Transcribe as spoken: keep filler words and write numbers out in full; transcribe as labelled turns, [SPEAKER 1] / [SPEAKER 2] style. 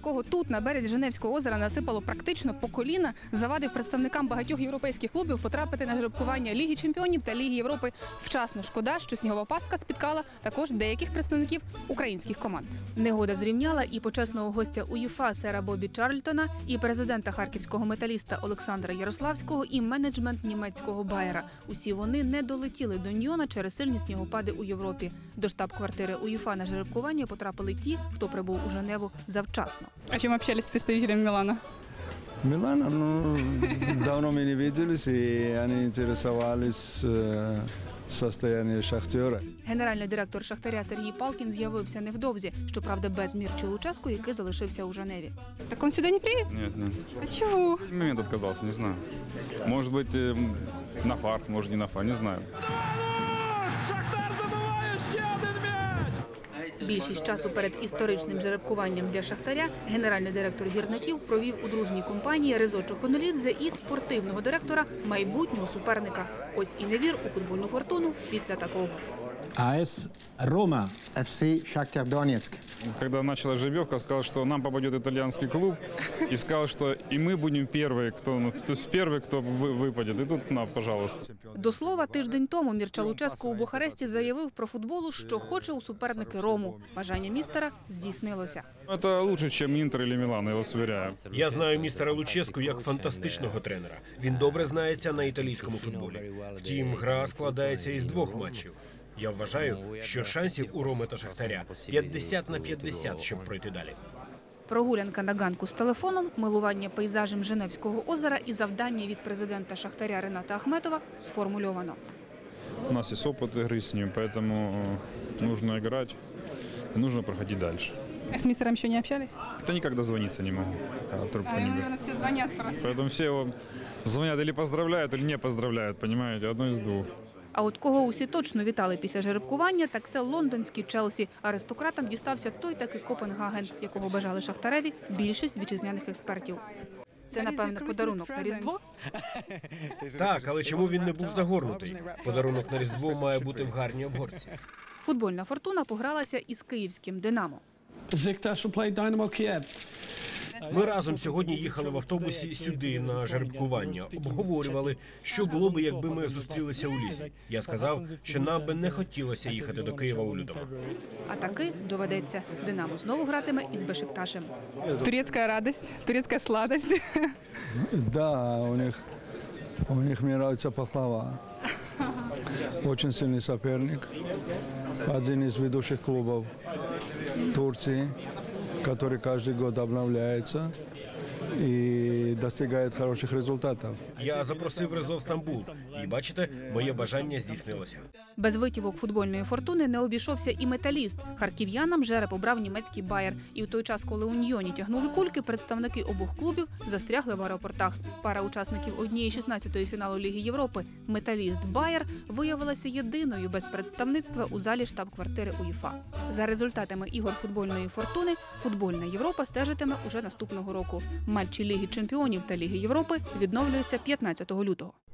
[SPEAKER 1] якого тут, на березі Женевського озера, насипало практично по коліна, завадив представникам багатьох європейських клубів потрапити на жеребкування Ліги чемпіонів та Ліги Європи вчасно. Шкода, що снігова пастка спіткала також деяких представників українських команд. Негода зрівняла і почесного гостя УЄФА сера Бобі Чарльтона, і президента харківського металіста Олександра Ярославського, і менеджмент німецького Байера. Усі вони не долетіли до Ньйона через сильні снігопади у Європі. До штаб-квартири УЄФА на жеребкування потрапили ті, хто прибув у Женеву завчасно.
[SPEAKER 2] О чем общались с представителями Милана?
[SPEAKER 3] Милана, ну, давно мы не виделись, и они интересовались э, состоянием Шахтера.
[SPEAKER 1] Генеральний директор Шахтаря Сергій Палкін з'явився невдовзі, щоправда, без Мірчі Луческу, який залишився у Женеві.
[SPEAKER 2] Так он сюда не приедет?
[SPEAKER 4] Нет, нет.
[SPEAKER 2] А чего?
[SPEAKER 4] Момент отказался, не знаю. Может быть, э, на фарт, может не на фарт, не знаю.
[SPEAKER 5] Шахтар забиває ще один м'яч!
[SPEAKER 1] Більшість часу перед історичним жеребкуванням для Шахтаря генеральний директор гірників провів у дружній компанії Резо Чохонолідзе і спортивного директора майбутнього суперника. Ось і невір у футбольну фортуну після такого.
[SPEAKER 6] АС «Рома».
[SPEAKER 7] эф си «Шахтер Донецк».
[SPEAKER 4] Когда началась жеребьевка, сказал, что нам попадет итальянский клуб, и сказал, что и мы будем первые, кто, ну, то есть первый, кто вы- выпадет. И тут, на, пожалуйста.
[SPEAKER 1] До слова, тиждень тому Мірча Луческу у Бухаресті заявив про футболу, що хоче у суперники Рому. Бажання містера здійснилося.
[SPEAKER 4] Это лучше, чем Интер или Милан, я вас уверяю.
[SPEAKER 8] Я знаю містера Луческу як фантастичного тренера. Він добре знається на італійському футболі. Втім, гра складається із двох матчів. Я вважаю, що шансів у Роми та Шахтаря п'ятдесят на п'ятдесят, щоб пройти далі.
[SPEAKER 1] Прогулянка на ганку з телефоном, милування пейзажем Женевського озера і завдання від президента Шахтаря Рената Ахметова сформульовано.
[SPEAKER 4] У нас есть опыт игры с ним, поэтому э, нужно играть, и нужно проходить дальше.
[SPEAKER 2] А с мистером еще не общались?
[SPEAKER 4] Это никак дозвониться не могу, пока трубку
[SPEAKER 2] А,
[SPEAKER 4] не беру.
[SPEAKER 2] наверное, все звонят просто.
[SPEAKER 4] Поэтому все его звонят или поздравляют, или не поздравляют, понимаете, одно из двух.
[SPEAKER 1] А от кого усі точно вітали після жеребкування, так це лондонський Челсі. Аристократам дістався той таки Копенгаген, якого бажали Шахтареві більшість вітчизняних експертів. Це, напевно, подарунок на Різдво?
[SPEAKER 8] Так, але чому він не був загорнутий? Подарунок на Різдво має бути в гарній обгорці.
[SPEAKER 1] Футбольна фортуна погралася із київським «Динамо».
[SPEAKER 6] Besiktas will play Dynamo Kiev.
[SPEAKER 8] Ми разом сьогодні їхали в автобусі сюди на жеребкування. Обговорювали, що було би, якби ми зустрілися у лізі. Я сказав, що нам би не хотілося їхати до Києва у лютому.
[SPEAKER 1] А таки доведеться. «Динамо» знову гратиме із Бешикташем.
[SPEAKER 2] Турецкая радость, турецкая сладость.
[SPEAKER 3] Да, у них, у них мне нравится пахлава. Очень сильный соперник. Один из ведущих клубов Турции, который каждый год обновляется и достигает хороших результатов.
[SPEAKER 8] Я запросив Резо в Стамбул. І бачите, моє бажання здійснилося.
[SPEAKER 1] Без витівок футбольної фортуни не обійшовся і металіст. Харків'янам жереб обрав німецький Байер. І в той час, коли у Ньйоні тягнули кульки, представники обох клубів застрягли в аеропортах. Пара учасників однієї шістнадцятої фіналу Ліги Європи «Металіст Байер» виявилася єдиною без представництва у залі штаб-квартири УЄФА. За результатами ігор футбольної фортуни футбольна Європа стежитиме уже наступного року. Матчі Ліги чемпіонів та Ліги Європи відновлюються п'ятнадцятого лютого.